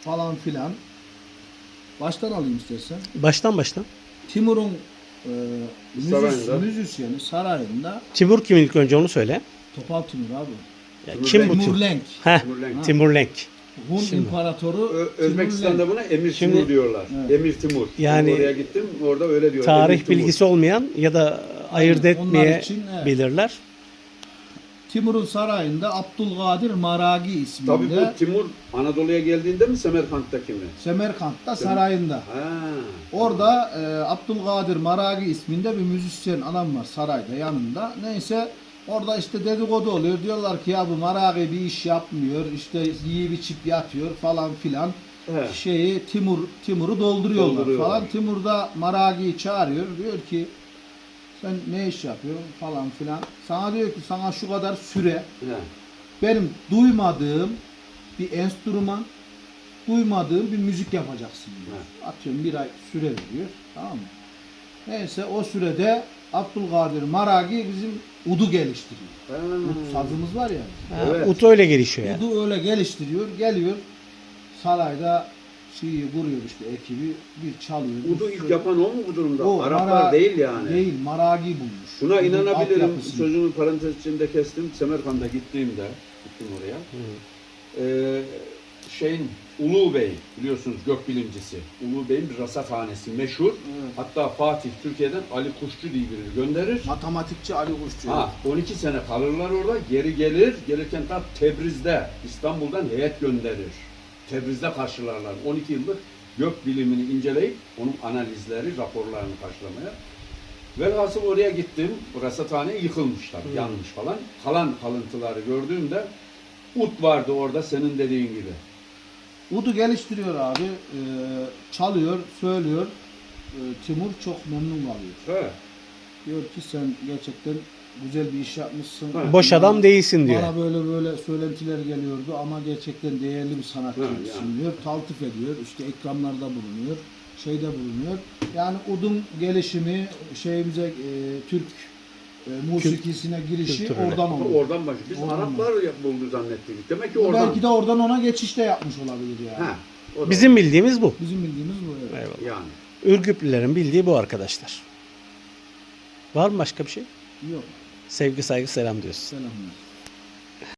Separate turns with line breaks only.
falan filan. Baştan alayım istersen.
Baştan.
Timur'un
Sarayında.
müzisyeni sarayında
Timur kim ilk önce onu söyle.
Topal Timur abi.
Ya
Timur
kim bu
Timur
Timur?
Lenk.
Heh,
Timur Lenk.
Timur Lenk.
Hun
Şimdi.
İmparatoru
Özbekistan'da buna Emir
Şimdi-
Timur diyorlar.
Evet.
Emir Timur.
Yani-
Ben oraya gittim, orada öyle diyor.
Tarih
Emir Timur.
bilgisi olmayan ya da ayırt
Aynen, onlar için,
etmeyebilirler.
Timur'un sarayında Abdülkadir Maragi isminde.
Tabii bu Timur Anadolu'ya geldiğinde mi Semerkant'taki mi?
Semerkant'ta sarayında.
Ha.
Orada Abdülkadir Maragi isminde bir müzisyen adam var sarayda yanında. Neyse orada işte dedikodu oluyor. Diyorlar ki ya bu Maragi bir iş yapmıyor. İşte yiyip içip yatıyor falan filan.
He.
Timur'u dolduruyorlar
Dolduruyorlar.
falan. Timur da Maragi'yi çağırıyor. Diyor ki sen ne iş yapıyorsun falan filan. Sana diyor ki sana şu kadar süre
He.
benim duymadığım bir enstrüman, duymadığım bir müzik yapacaksın diyor. Atıyorum bir ay süre veriyor. Tamam mı? Neyse o sürede Abdülkadir Maragi bizim udu geliştiriyor.
Ha.
Ud sazımız var ya.
Ha,
Evet.
Ut öyle gelişiyor yani.
Udu öyle geliştiriyor. Geliyor sarayda şeyi kuruyor işte ekibi bir çalıyor.
Udu
bir
ilk
sürü-
yapan o mu bu durumda?
O
Araplar değil yani.
Değil, Maragi bulmuş.
Şuna
Udun
inanabilirim.
altyapısını.
Sözümü parantez içinde kestim. Semerkant'a gittim oraya. Ulu Bey biliyorsunuz gökbilimcisi. Ulu Bey'in bir rasathanesi meşhur.
Evet.
Hatta Fatih Türkiye'den Ali Kuşçu diye birini gönderir.
Matematikçi Ali Kuşçu.
Ha, 12 sene kalırlar orada. Geri gelir. Gelirken tam Tebriz'de İstanbul'dan heyet gönderir. Tebriz'de karşılarlar. 12 yıllık gök bilimini inceleyip onun analizleri, raporlarını karşılamaya. Velhasıl oraya gittim. Bu rasathane yıkılmış tabii, yanmış falan. Kalan kalıntıları gördüğümde ut vardı orada senin dediğin gibi.
Udu geliştiriyor abi. Çalıyor, söylüyor. Timur çok memnun kalıyor.
He.
Diyor ki sen gerçekten güzel bir iş yapmışsın.
Ha.
Boş adam değilsin diyor.
Bana böyle söylentiler geliyordu ama gerçekten değerli bir sanatçısın
yani.
diyor. Taltif ediyor. İşte ekranlarda bulunuyor. Şeyde bulunuyor. Yani udun gelişimi şeyimize Türk musikisine girişi
kültürüne.
oradan oluyor.
Oradan başlıyor. Biz
Oradan
Araplar buldu zannettik. Demek ki oradan.
Belki de oradan ona geçiş de yapmış olabilir yani.
Ha, o da-
Bizim bildiğimiz bu.
Bizim bildiğimiz bu. Evet.
Eyvallah.
yani.
Ürgüplülerin bildiği bu arkadaşlar. Var mı başka bir şey?
Yok.
Sevgi, saygı, selam diyorsun.
Selamlar.